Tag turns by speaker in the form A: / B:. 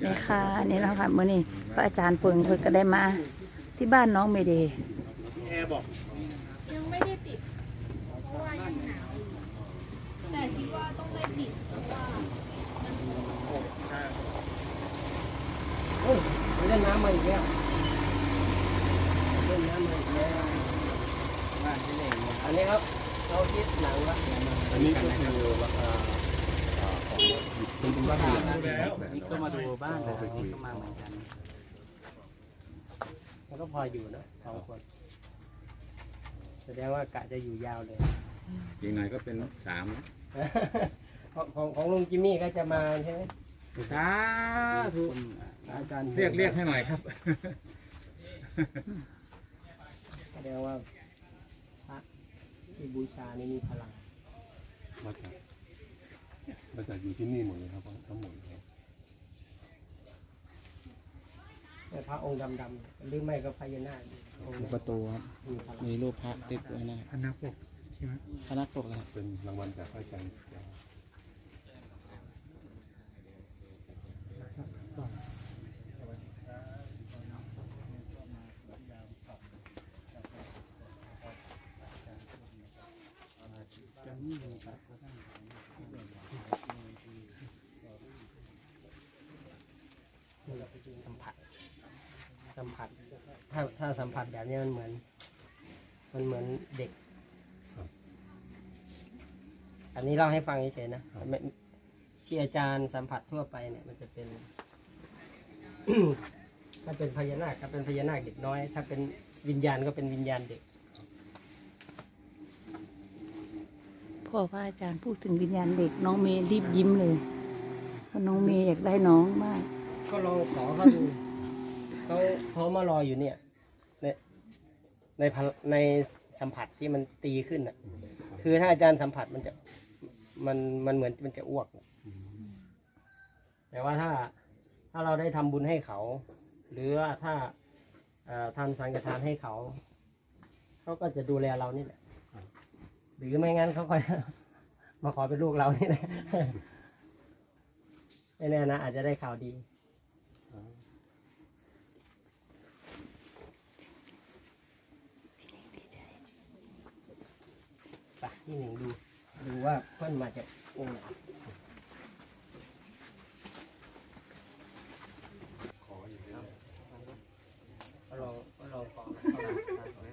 A: นี่ค่ะนี่แล้วค่ะมื้อนี้พระอาจารย์เปิงเพิ่นก็ได้มาที่บ้านน้องเมเดย์
B: แอร์บอก
C: ยังไม่ได้ติดเพราะว่ายังหนาวอยู่แต่คิดว่าต้องได้ติดเพราะว่ามัน
B: ใช่
D: เล่นน้ำมาอีกแล้วเล่นน้ำมาอีกแล้วว่าที่ไหนเนี่ยอันนี้ครับเราคิดหนังละ
B: อันนี้ก็คือราคาของคุณบ้านแล้ว
D: นี่ก็มาดูบ้านแต่นี่ก็มาเหมือนกันมันก็พออยู่นะ2 คนแสดงว่ากะจะอยู่ยาวเลย
B: อีกหน่อยก็เป็น3
D: ของลุงจิมมี่ก็จะมาใช่ไหม
B: สาธุ
D: อาจารย์
B: เรียกให้หน่อยครับ
D: แสดงว่าพระที่บูชานี่มีพลัง
E: มาจากอยู่ที่นี่หมดเลยครับทั้งหมด
D: แต่พระองค์ดำๆหรือไม่ก็พญานาค
F: ประตูครับมีรูปพระติดไว้นะ
B: พนักปกใช่ไหม
F: พระนักปกครับ
E: เป็นรางวัลจากพระอาจารย์
D: สัมผัสถ้าสัมผัสแบบนี้มันเหมือนเด็กอันนี้เล่าให้ฟังเฉยๆนะที่อาจารย์สัมผัสทั่วไปเนี่ยมันจะเป็น ถ้าเป็นพญานาคก็เป็นพญานาคเด็กน้อยถ้าเป็นวิญญาณก็เป็นวิญญาณเด็ก
A: พ่อพระอาจารย์พูดถึงวิญญาณเด็กน้องเมย์รีบยิ้มเลยเพราะน้องเมย์อยากได้น้องมาก
D: ก็ลองขอเขาดูเขามารออยู่เนี่ยในสัมผัสที่มันตีขึ้นอ่ะคือถ้าอาจารย์สัมผัสมันเหมือนมันจะอ้วกแต่ว่าถ้าเราได้ทำบุญให้เขาหรือว่าถ้าทำสังฆทานให้เขาก็จะดูแลเรานี่แหละหรือไม่งั้นเขาค่อยมาขอเป็นลูกเรานี่แหละไม่แน่นะอาจจะได้ข่าวดีที่หนึ่งดูว่าเพื่อนมาจากองค์ไหนขออยู่แล้วก็ลองขอ